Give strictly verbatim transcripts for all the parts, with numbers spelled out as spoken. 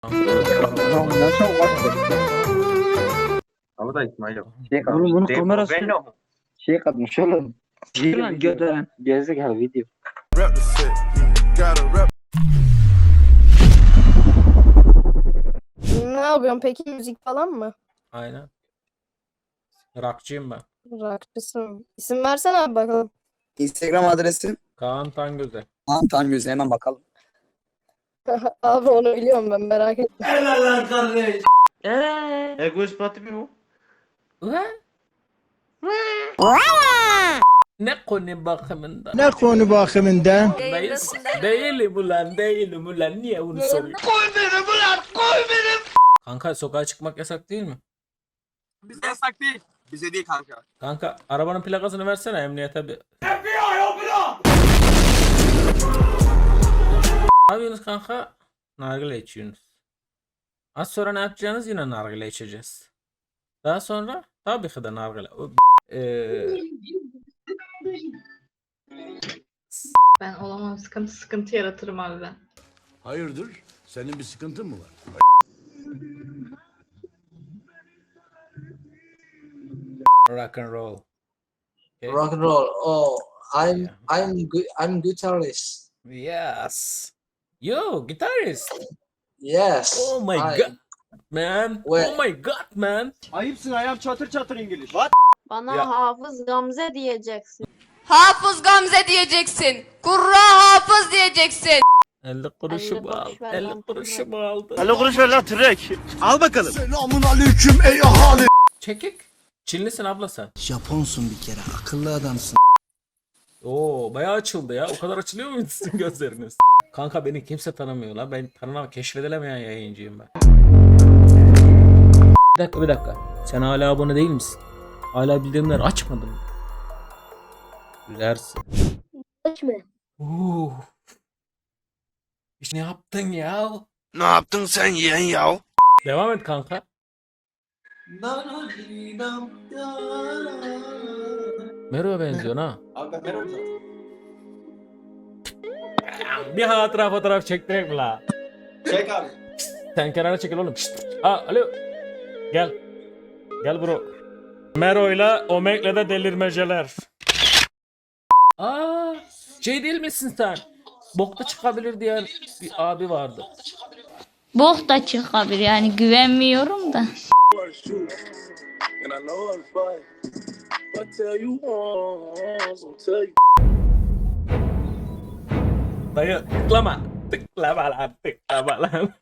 Nasıl olmaz? Ama da İsmail yok. Şey Oğlum bunun De- kamerası Venom. şey katmış oğlum. Video lan video. götüren. Gerizekalı video. Ne yapıyorsun peki, müzik falan mı? Aynen. Rockçıyım ben. Rockçısın. İsim versene abi bakalım. Instagram adresim Kaan Tangöze. Antan Gözü, hemen bakalım. Abi onu biliyorum ben, merak etme. Eee. Ego ispatı mı bu? Ne konu bakımında? Ne konu bakımından? Değil, değilim ulan, değilim ulan. Niye bunu soruyorsun? Kanka sokağa çıkmak yasak değil mi? Bize yasak değil. Bize değil kanka. Kanka arabanın plakasını versene emniyete bir. Ne yapıyorsunuz kanka? Nargile içiyorsunuz. Az sonra ne yapacağınız, yine nargile içeceğiz. Daha sonra tabii ki de nargile. O- Eee Ben olamam, sıkıntı sıkıntı yaratırım abi ben. Hayırdır? Senin bir sıkıntın mı var? rock and roll. Okay. Rock and roll. Oh, I'm Yeah. I'm good. I'm guitarist. Yes. Yo, guitarist. Yes. Oh my I- god, man. Where- Oh my god, man. Ayıpsın ayağım çatır çatır İngiliz. Bana Ya. Hafız Gamze diyeceksin. Hafız Gamze diyeceksin. Kurra Hafız diyeceksin. elli kuruşu elli aldı. boş ver elli lan, kuruşu kurban. aldı. elli kuruş ver lan tırek. Al bakalım. Selamun aleyküm ey ahali. Çekik. Çinlisin abla sen. Japonsun bir kere, akıllı adamsın. Oo, bayağı açıldı ya. O kadar açılıyor muydu sizin gözleriniz? Kanka beni kimse tanımıyor lan. Ben tanınamam. Keşfedilemeyen yayıncıyım ben. Bir dakika bir dakika. Sen hala abone değil misin? Hala bildirimleri açmadın mı? Gülersin. Açma. Oo. İşte ne yaptın ya? Ne yaptın sen yeğen ya? Devam et kanka. Mero'ya benziyor ha. Abi ben Merom zaten. Bir hatıra fotoğraf çektirek mi la? Çek abi. Sen kenara çekil oğlum. Şşt. Aa, alo. Gel. Gel bro. Mero'yla Omeg'le de delirmeceler. Aa, şey değil misin sen? Bokta çıkabilir diyen bir abi vardı. Bok da çıkabilir yani, güvenmiyorum da. Dayı tıklama. Tıklama lan, tıklama lan.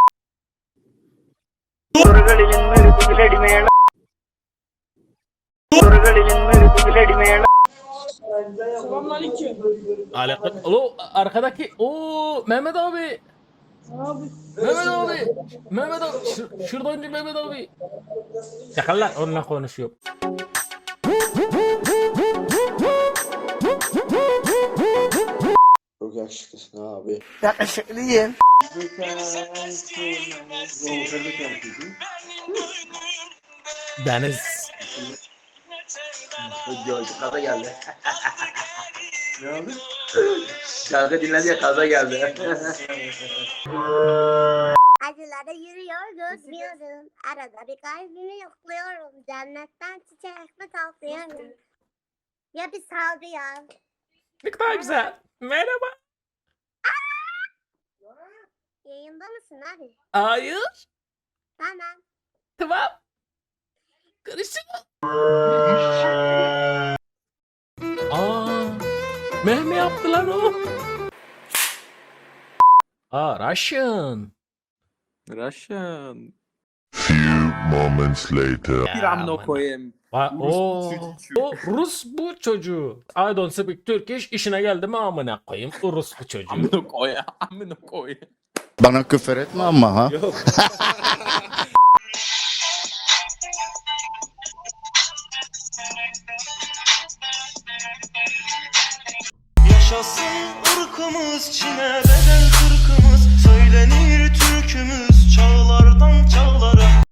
Alakın. Alo arkadaki. Oo Mehmet abi. Mehmet abi. Mehmet abi. Şur şuradan Mehmet abi. Çakal lan, onunla konuşuyor. Çok yakışıklısın abi. Yakışıklıyım. Deniz. Kaza geldi. Ne oldu? Şarkı dinledi ya, kaza geldi. Acılara yürüyor gözlüyorum. Arada bir kalbimi yokluyorum. Cennetten çiçek mi topluyorum? Ya bir saldı ya. Ne kadar güzel. Merhaba. Yayında mısın abi? Hayır. Tamam. Tamam. Görüşürüz. Aa, Mehmet yaptı lan o. Aa, Russian. Russian. Moments later. Bir amına koyayım. Va- o, o Rus bu çocuğu. I don't speak Turkish. İşine geldi mi amına koyayım. O Rus bu çocuğu. Amına koy. Amına koy. Bana küfür etme ama ha. Yaşasın ırkımız Çin'e